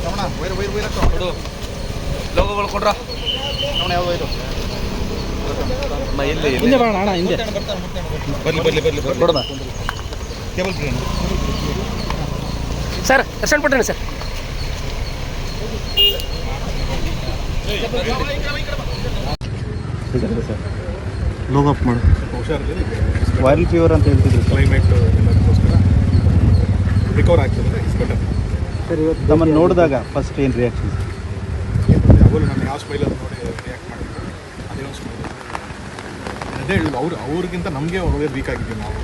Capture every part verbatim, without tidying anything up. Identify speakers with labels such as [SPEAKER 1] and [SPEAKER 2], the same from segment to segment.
[SPEAKER 1] Ramana wire wire wire ಹಾಕ್ತು ಲೋಗೋಗಳು ಕೊಡ್ರ ರಮಣ ಯಾವುದು ವೈರು ಎಲ್ಲಿ ಹಿಂದೆ ಬರೋಣ ಅಣ್ಣ ಹಿಂದೆ ಬರಲಿ ಬರಲಿ ಬರಲಿ ಕೊಡೋಣ ಕೇಬಲ್ ಫ್ರೀ
[SPEAKER 2] ಸರ್ ದರ್ಶನ್ ಪಟ್ಟಣ ಸರ್
[SPEAKER 3] ಸರ್ ಲೋಗೋ ಅಪ್ ಮಾಡು ವೈರಲ್ ಫೀವರ್ ಅಂತ ಹೇಳ್ತಿದ್ರು
[SPEAKER 1] ಕ್ಲೈಮೇಟ್ ಎಲ್ಲದಕ್ಕೋಸ್ಕರ ರಿಕವರ್ ಆಗ್ತದೆ ಇಟ್ಸ್ ಬೆಟರ್
[SPEAKER 3] ಸರ್ ಇವತ್ತು ನಮ್ಮನ್ನು ನೋಡಿದಾಗ ಫಸ್ಟ್ ಏನು ರಿಯಾಕ್ಷನ್
[SPEAKER 1] ಯಾವಾಗಲೂ ನಾನು ಯಾವ ಸ್ಮೈಲಲ್ಲಿ ನೋಡಿ ರಿಯಾಕ್ಟ್ ಮಾಡಿದ್ರು ಅದೇ ಒಂದು ಸ್ಮೈಲ್ ಅದೇ ಹೇಳುದು ಅವ್ರು ಅವ್ರಿಗಿಂತ ನಮಗೆ ಅವ್ರಿಗೆ ವೀಕ್ ಆಗಿದ್ದೀವಿ ನಾವು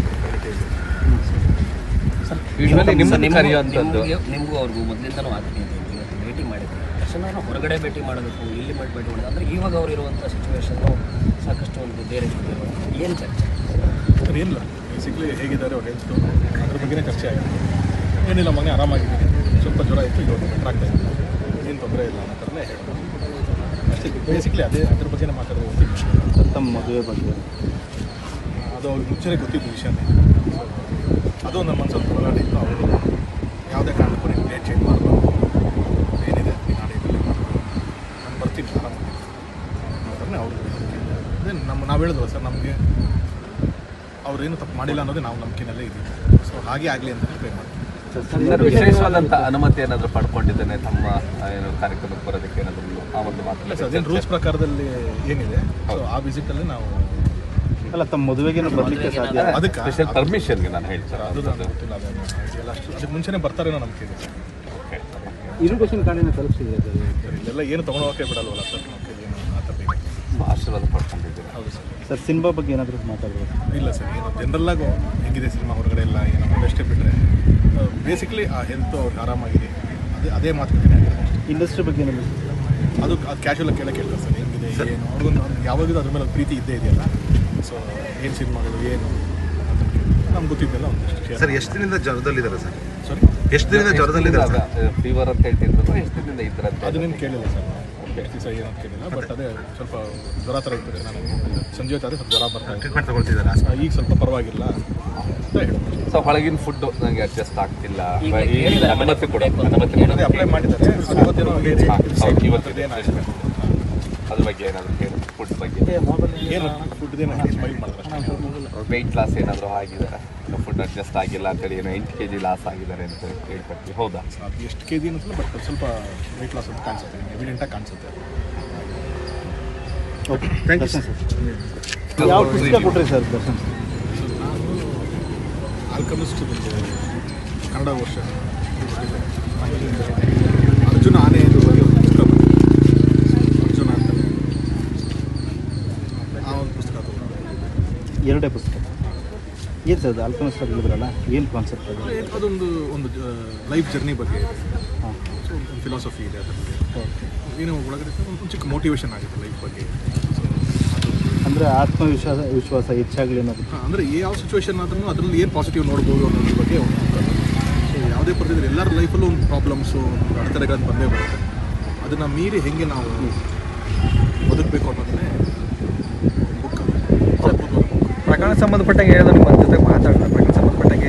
[SPEAKER 2] ನಿಮಗೂ ಅವ್ರಿಗೂ ಮೊದಲಿಂದನೂ ಆತ್ಮೀಯ ಇವತ್ತು ಭೇಟಿ ಮಾಡಿದ್ರು ತಕ್ಷಣ ಹೊರಗಡೆ ಭೇಟಿ ಮಾಡಬೇಕು ಇಲ್ಲಿ ಮಾಡಿ ಭೇಟಿ ಮಾಡೋದು ಅಂದರೆ ಇವಾಗ ಅವ್ರು ಇರುವಂಥ ಸಿಚುವೇಶನ್ನು ಸಾಕಷ್ಟು ಒಂದು ಬೇರೆ ಏನು ಚರ್ಚೆ
[SPEAKER 1] ಸರ್ ಏನಿಲ್ಲ ಬೇಸಿಕ್ಲಿ ಹೇಗಿದ್ದಾರೆ ಅವ್ರು ಹೆಲ್ತು ಅದ್ರ ಬಗ್ಗೆನೇ ಚರ್ಚೆ ಆಗಿದೆ ಏನಿಲ್ಲ ಮೊನ್ನೆ ಆರಾಮಾಗಿದ್ದೀನಿ ಸ್ವಲ್ಪ ಜ್ವರ ಇತ್ತು ಇವತ್ತು ಬೆಟರ್ ಆಗ್ತಾ ಇದೆ ಏನು ತೊಂದರೆ ಇಲ್ಲ ಅನ್ನೋ ಥರನೇ ಹೇಳೋದು ಅಷ್ಟೇ ಬೇಸಿಕ್ಲಿ ಅದೇ ಅದ್ರ ಬಗ್ಗೆನೇ ಮಾತಾಡೋದು ಗೊತ್ತಿತ್ತು
[SPEAKER 3] ತಮ್ಮ ಮದುವೆ ಬಗ್ಗೆ
[SPEAKER 1] ಅದು ಅವ್ರಿಗೆ ಮುಂಚೆನೇ ಗೊತ್ತಿದ್ದು ವಿಷಯನೇ ಅದು ನಮ್ಮ ಮನಸ್ಸಲ್ಲಿ ಹೋರಾಟ ಇತ್ತು ಅವರು ಯಾವುದೇ ಕಾರಣಕ್ಕೂ ನೀವು ಡೇಟ್ ಚೇಂಜ್ ಮಾಡಬಾರ್ದು ಏನಿದೆ ಈ ನಾಡಿನಲ್ಲಿ ನಾನು ಬರ್ತೀನಿ ಆರಾಮಾಗಿ ಅನ್ನೋದನ್ನೇ ಅವರು ಅದೇ ನಮ್ಮ ನಾವು ಹೇಳಿದ್ವಲ್ಲ ಸರ್ ನಮಗೆ ಅವ್ರೇನು ತಪ್ಪು ಮಾಡಿಲ್ಲ ಅನ್ನೋದೇ ನಾವು ನಂಬಿಕೆನಲ್ಲೇ ಇದ್ದೀವಿ ಸೊ ಹಾಗೆ ಆಗಲಿ ಅಂತ ಪ್ರೇ ಮಾಡ್ತೀವಿ.
[SPEAKER 4] ವಿಶೇಷವಾದಂಥ ಅನುಮತಿ ಏನಾದರೂ ಪಡ್ಕೊಂಡಿದ್ದೇನೆ ತಮ್ಮ ಏನು ಕಾರ್ಯಕ್ರಮಕ್ಕೆ ಬರೋದಕ್ಕೆ ಏನಾದರೂ ಆ ಒಂದು ಮಾತು
[SPEAKER 1] ಸರ್ ಅದೇನು ರೂಲ್ಸ್ ಪ್ರಕಾರದಲ್ಲಿ ಏನಿದೆ ಸೊ ಆ ವಿಸಿಟಲ್ಲಿ ನಾವು
[SPEAKER 3] ಅಲ್ಲ ತಮ್ಮ ಮದುವೆಗೇನು ಬರಲಿಕ್ಕೆ ಸಾಧ್ಯ
[SPEAKER 1] ಅದಕ್ಕೆ
[SPEAKER 4] ಸ್ಪೆಷಲ್ ಪರ್ಮಿಷನ್ಗೆ ನಾನು ಹೇಳಿ ಸರ್
[SPEAKER 1] ಅದು ನನಗೆ ಗೊತ್ತಿಲ್ಲ ಅದನ್ನು ಎಲ್ಲ ಅಷ್ಟು ಅದಕ್ಕೆ ಮುಂಚೆನೇ ಬರ್ತಾರೇನೋ ನಂಬಿಕೆ ಇದೆ ಸರ್
[SPEAKER 4] ಓಕೆ
[SPEAKER 3] ಇರಿಗೇಷನ್ ಕಾರ್ಡಿನ ತಲುಪಿಸಿದೆ
[SPEAKER 1] ಸರ್ ಇಲ್ಲೆಲ್ಲ ಏನು ತೊಗೊಂಡೋಗಕ್ಕೆ ಬಿಡಲ್ವಲ್ಲ ಸರ್ ನಮಗೆ ಏನು ಆ ಥರ ಇದೆ
[SPEAKER 4] ಆಶೀರ್ವಾದ ಪಡ್ಕೊಂಡಿದ್ದೀವಿ.
[SPEAKER 1] ಹೌದು ಸರ್
[SPEAKER 3] ಸರ್ ಸಿನಿಮಾ ಬಗ್ಗೆ ಏನಾದರೂ ಮಾತಾಡ್ಬೋದು
[SPEAKER 1] ಇಲ್ಲ ಸರ್ ಏನು ಜನರಲ್ಲಾಗಿ ಹೆಂಗಿದೆ ಸಿನಿಮಾ ಹೊರಗಡೆ ಎಲ್ಲ ಏನೋ ಒಂದಷ್ಟೇ ಬಿಟ್ಟರೆ ಬೇಸಿಕ್ಲಿ ಆ ಹೆಲ್ತ್ ಅವ್ರಿಗೆ ಆರಾಮಾಗಿದೆ ಅದೇ ಅದೇ ಮಾತುಕತೆ
[SPEAKER 3] ಇಂಡಸ್ಟ್ರಿ ಬಗ್ಗೆ ಏನಾದರೂ
[SPEAKER 1] ಅದು ಅದು ಕ್ಯಾಶುವಲಾಗಿ ಕೇಳಕ್ಕೆ ಕೇಳ್ತಾರೆ ಸರ್ ಹೆಂಗಿದೆ ಏನು ಅವ್ರಿಗೊಂದು ಯಾವಾಗಲೂ ಅದ್ರ ಮೇಲೆ ಒಂದು ಪ್ರೀತಿ ಇದ್ದೇ ಇದೆಯಲ್ಲ ಸೊ ಏನು ಸಿನಿಮಾಗಳು ಏನು ನಮ್ಗೆ ಗೊತ್ತಿದ್ದೆಲ್ಲ ಒಂದಷ್ಟು
[SPEAKER 5] ಸರ್ ಎಷ್ಟು ದಿನದಿಂದ ಜ್ವರದಲ್ಲಿದ್ದಾರೆ ಸರ್
[SPEAKER 1] ಸಾರಿ
[SPEAKER 5] ಎಷ್ಟು ದಿನದಿಂದ ಜ್ವರದಲ್ಲಿದ್ದಾರೆ
[SPEAKER 4] ಫೀವರ್ ಅಂತ ಹೇಳ್ತಿದ್ರು ಎಷ್ಟು ದಿನದಿಂದ ಇದ್ರ
[SPEAKER 1] ಅದನ್ನೇನು ಕೇಳಿಲ್ಲ ಸರ್ ಎಷ್ಟು ದಿವಸ ಏನು ಅಂತ ಕೇಳಿಲ್ಲ ಬಟ್ ಅದೇ ಸ್ವಲ್ಪ ಜ್ವರ ಥರ ಇರ್ತದೆ ನಾನು ಸಂಜೆ ಹೊತ್ತಾದ್ರೆ ಸ್ವಲ್ಪ ಜ್ವರ ಬರ್ತಾ
[SPEAKER 5] ಟ್ರೀಟ್ಮೆಂಟ್ ತಗೊಳ್ತಿದ್ದಾರೆ
[SPEAKER 1] ಈಗ ಸ್ವಲ್ಪ ಪರವಾಗಿಲ್ಲ ಅಂತ ಹೇಳ್ಬೋದು
[SPEAKER 4] ಸೊ ಹೊಳಗಿನ ಫುಡ್ಡು ನನಗೆ ಅಡ್ಜಸ್ಟ್ ಆಗ್ತಿಲ್ಲ ಅನುಮತಿ ಕೊಡ ಅನುಮತಿ
[SPEAKER 1] ಅದೇ ಅಪ್ಲೈ ಮಾಡಿದ್ದಾರೆ ಇವತ್ತೇನೋ ಹೇಳಿ
[SPEAKER 4] ಇವತ್ತಿದೆ ಅದ್ರ ಬಗ್ಗೆ ಏನಾದರೂ ಹೇಳಿ ಫುಡ್ ಬಗ್ಗೆ
[SPEAKER 1] ಏನು ಫುಡ್ದೇನೋ ಸ್ಮೈಲ್ ಮಾಡಿದ್ರೆ
[SPEAKER 4] ವೆಯ್ಟ್ ಲಾಸ್ ಏನಾದರೂ ಆಗಿದೆ ಫುಡ್ ಅಡ್ಜಸ್ಟ್ ಆಗಿಲ್ಲ ಅಂತೇಳಿ ಏನೋ ಎಂಟು ಕೆ ಜಿ ಲಾಸ್ ಆಗಿದ್ದಾರೆ ಅಂತ ಹೇಳ್ಕೊಡ್ತೀವಿ ಹೌದಾ
[SPEAKER 1] ಅದು ಎಷ್ಟು ಕೆ ಜಿ ಅನ್ನಿಸಲ್ಲ ಬಟ್ ಸ್ವಲ್ಪ ವೆಯ್ಟ್ ಲಾಸ್ ಅಂತ ಕಾಣಿಸುತ್ತೆ ಎವಿಡೆಂಟಾಗಿ ಕಾಣಿಸುತ್ತೆ
[SPEAKER 3] ಓಕೆ ಥ್ಯಾಂಕ್ ಯು ಸರ್ ಯಾವ ಪುಸ್ತಕ ಕೊಟ್ರಿ ಸರ್ ದರ್ಶನ್
[SPEAKER 1] ನಾನು ಆಲ್ಕಮಿಸ್ಟ್ ಕನ್ನಡ ವರ್ಷ ಅರ್ಜುನ ಆನೆ ಇದು ಬಗ್ಗೆ ಒಂದು ಪುಸ್ತಕ ಅರ್ಜುನ ಅಂತ ಆ ಒಂದು ಪುಸ್ತಕ ತಗೊಂಡು
[SPEAKER 3] ಎರಡೇ ಪುಸ್ತಕ ಏನು ಸರ್ ಅದು ಆಲ್ಕಮಿಸ್ಟ್ ಹೇಳಿದ್ರಲ್ಲ ಏನು ಕಾನ್ಸೆಪ್ಟ್ ಅದು
[SPEAKER 1] ಅದೊಂದು ಒಂದು ಲೈಫ್ ಜರ್ನಿ ಬಗ್ಗೆ ಇದೆ
[SPEAKER 3] ಹಾಂ
[SPEAKER 1] ಸೊ ಒಂದು ಫಿಲಾಸಫಿ ಇದೆ ಅದ್ರ ಬಗ್ಗೆ ಏನೋ ಒಳಗಡೆ ಒಂದು ಚಿಕ್ಕ ಮೋಟಿವೇಶನ್ ಆಗುತ್ತೆ ಲೈಫ್ ಬಗ್ಗೆ
[SPEAKER 3] ಅಂದರೆ ಆತ್ಮವಿಶ್ವಾಸ ವಿಶ್ವಾಸ ಹೆಚ್ಚಾಗಲಿ ಅನ್ನೋದು
[SPEAKER 1] ಅಂದರೆ ಯಾವ ಸಿಚುವೇಶನ್ ಆದ್ರೂ ಅದರಲ್ಲಿ ಏನು ಪಾಸಿಟಿವ್ ನೋಡ್ಬೋದು ಅನ್ನೋದ್ರ ಬಗ್ಗೆ ಒಂದು ಸೊ ಯಾವುದೇ ಪರಿಸ್ಥಿತಿ ಎಲ್ಲರ ಲೈಫಲ್ಲೂ ಒಂದು ಪ್ರಾಬ್ಲಮ್ಸು ಒಂದು ಅಡೆತಡೆಗಳನ್ನು ಬಂದೇ ಬರುತ್ತೆ ಅದನ್ನು ಮೀರಿ ಹೇಗೆ ನಾವು ಬದುಕಬೇಕು ಅನ್ನೋದನ್ನೇ ಬುಕ್
[SPEAKER 2] ಪ್ರಕರಣ ಸಂಬಂಧಪಟ್ಟಂಗೆ ಹೇಳಿದ್ರೆ ನಿಮ್ಮ ಜೊತೆ ಮಾತಾಡೋಣ ಪ್ರಕರಣ ಸಂಬಂಧಪಟ್ಟಂಗೆ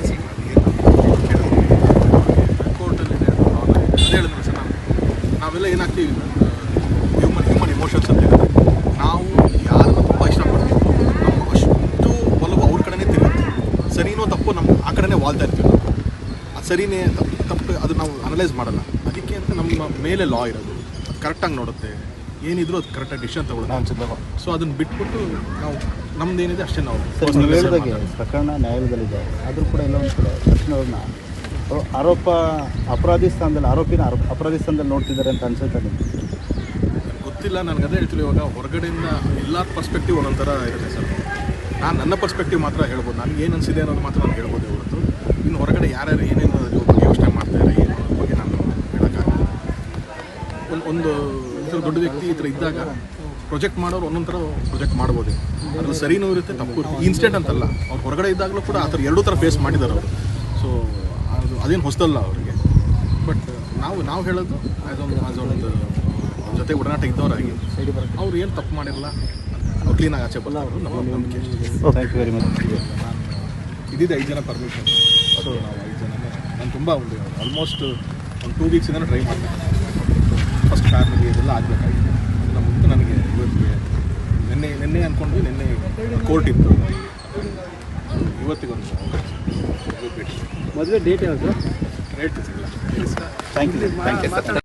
[SPEAKER 1] ಕೋರ್ಟಲ್ಲಿದೆ ಅದೇ ಹೇಳಿದ್ರೆ ಸರ್ ನಾವು ನಾವೆಲ್ಲ ಏನಾಗ್ತೀವಿ ಹ್ಯೂಮನ್ ಹ್ಯೂಮನ್ ಇಮೋಷನ್ಸ್ ಅಂತ ಹೇಳಿದ್ರೆ ನಾವು ಯಾರನ್ನು ತುಂಬ ಇಷ್ಟಪಡ್ತೀವಿ ನಮ್ಮ ಅಷ್ಟು ಒಲವು ಅವ್ರ ಕಡೆನೇ ತಿರುಗುತ್ತೆ ಸರಿನೋ ತಪ್ಪು ನಮ್ಮ ಆ ಕಡೆನೇ ವಾಲ್ತಾ ಇರ್ತೀವಿ ನಾವು ಅದು ಸರಿನೇ ತಪ್ಪು ತಪ್ಪು ಅದು ನಾವು ಅನಲೈಸ್ ಮಾಡಲ್ಲ ಅದಕ್ಕೆ ಅಂತ ನಮ್ಮ ಮೇಲೆ ಲಾ ಇರೋದು ಅದು ಕರೆಕ್ಟಾಗಿ ನೋಡುತ್ತೆ ಏನಿದ್ರು ಅದು ಕರೆಕ್ಟಾಗಿ ಡಿಸಿಷನ್ ತಗೊಳ್ಳೋದು ಸೊ ಅದನ್ನು ಬಿಟ್ಬಿಟ್ಟು ನಾವು ನಮ್ದು ಏನಿದೆ ಅಷ್ಟೇ ನಾವು
[SPEAKER 3] ಸರ್ ನೀವು ಹೇಳಿದಾಗೆ ಪ್ರಕರಣ ನ್ಯಾಯಾಲಯದಲ್ಲಿದೆ ಆದರೂ ಕೂಡ ಎಲ್ಲ ಒಂದು ಕಡೆ ತಕ್ಷಣ ಅವ್ರನ್ನ ಆರೋಪ ಅಪರಾಧಿ ಸ್ಥಾನದಲ್ಲಿ ಆರೋಪಿನ ಆರೋಪ ಅಪರಾಧಿ ಸ್ಥಾನದಲ್ಲಿ ನೋಡ್ತಿದ್ದಾರೆ ಅಂತ ಅನ್ಸುತ್ತೆ ನಿಮಗೆ
[SPEAKER 1] ಗೊತ್ತಿಲ್ಲ ನನಗೆ ಅದೇ ಹೇಳ್ತೀವಿ ಇವಾಗ ಹೊರಗಡೆಯಿಂದ ಎಲ್ಲ ಪರ್ಸ್ಪೆಕ್ಟಿವ್ ಒಂದೊಂಥರ ಇರುತ್ತೆ ಸರ್ ನಾನು ನನ್ನ ಪರ್ಸ್ಪೆಕ್ಟಿವ್ ಮಾತ್ರ ಹೇಳ್ಬೋದು ನನಗೆ ಏನು ಅನಿಸಿದೆ ಅನ್ನೋದು ಮಾತ್ರ ನಾನು ಹೇಳ್ಬೋದು ಹೊರತು ಇನ್ನು ಹೊರಗಡೆ ಯಾರ್ಯಾರು ಏನೇನು ಬಗ್ಗೆ ಯೋಚನೆ ಮಾಡ್ತಾರೆ ಏನು ಅನ್ನೋದ್ರ ಬಗ್ಗೆ ನಾನು ಹೇಳೋಕ್ಕಾಗಲ್ಲ ಒಂದು ಒಂದು ಈ ಥರ ದೊಡ್ಡ ವ್ಯಕ್ತಿ ಈ ಥರ ಇದ್ದಾಗ ಪ್ರೊಜೆಕ್ಟ್ ಮಾಡೋರು ಒಂದೊಂದು ಥರ ಪ್ರೊಜೆಕ್ಟ್ ಮಾಡ್ಬೋದು ಅದ್ರಲ್ಲಿ ಸರಿನೂ ಇರುತ್ತೆ ತಪ್ಪು ಇರುತ್ತೆ ಇನ್ಸ್ಟೆಂಟ್ ಅಂತಲ್ಲ ಅವ್ರು ಹೊರಗಡೆ ಇದ್ದಾಗಲೂ ಕೂಡ ಆ ಥರ ಎರಡೂ ಥರ ಫೇಸ್ ಮಾಡಿದ್ದಾರೆ ಅವರು ಸೊ ಅದು ಅದೇನು ಹೊಸದಲ್ಲ ಅವರಿಗೆ ಬಟ್ ನಾವು ನಾವು ಹೇಳೋದು ಆ್ಯಸ್ ಒಂದು ಆ್ಯಸ್ ಒಂದು ಅವ್ರ ಜೊತೆ ಒಡನಾಟ ಇದ್ದವರಾಗಿ ಅವ್ರು ಏನು ತಪ್ಪು ಮಾಡಿರಲ್ಲ ಅವ್ರು ಕ್ಲೀನಾಗಿ ಆಚೆ ಬರೋದು ನಮ್ಮ ನಂಬಿಕೆ
[SPEAKER 3] ಥ್ಯಾಂಕ್ ಯು ವೆರಿ ಮಚ್.
[SPEAKER 1] ನಾನು ಇದ್ದಿದ್ದು ಐದು ಜನ ಪರ್ಮಿಷನ್ ಸೊ ನಾವು ಐದು ಜನ ನಾನು ತುಂಬ ಒಂದು ಆಲ್ಮೋಸ್ಟ್ ಒಂದು ಟೂ ವೀಕ್ಸಿಂದ ಟ್ರೈ ಮಾಡ್ತೀನಿ. ಫಸ್ಟ್ ಫ್ಯಾಮಿಲಿ ಇದೆಲ್ಲ ಆಗಬೇಕಾಗಿತ್ತು. ಅದೆಲ್ಲ ಮುಗಿದು ನನಗೆ ಇವತ್ತಿಗೆ ನಿನ್ನೆ ನಿನ್ನೆ ಅಂದ್ಕೊಂಡ್ವಿ, ನಿನ್ನೆ ಕೋರ್ಟ್ ಇತ್ತು, ಇವತ್ತಿಗೊಂದು ಭೇಟಿ.
[SPEAKER 3] ಮದುವೆ ಡೇಟ್ ಯಾವುದು?
[SPEAKER 1] ರೇಟ್ ಸಿಗಲ್ಲ.
[SPEAKER 3] Thank you thank you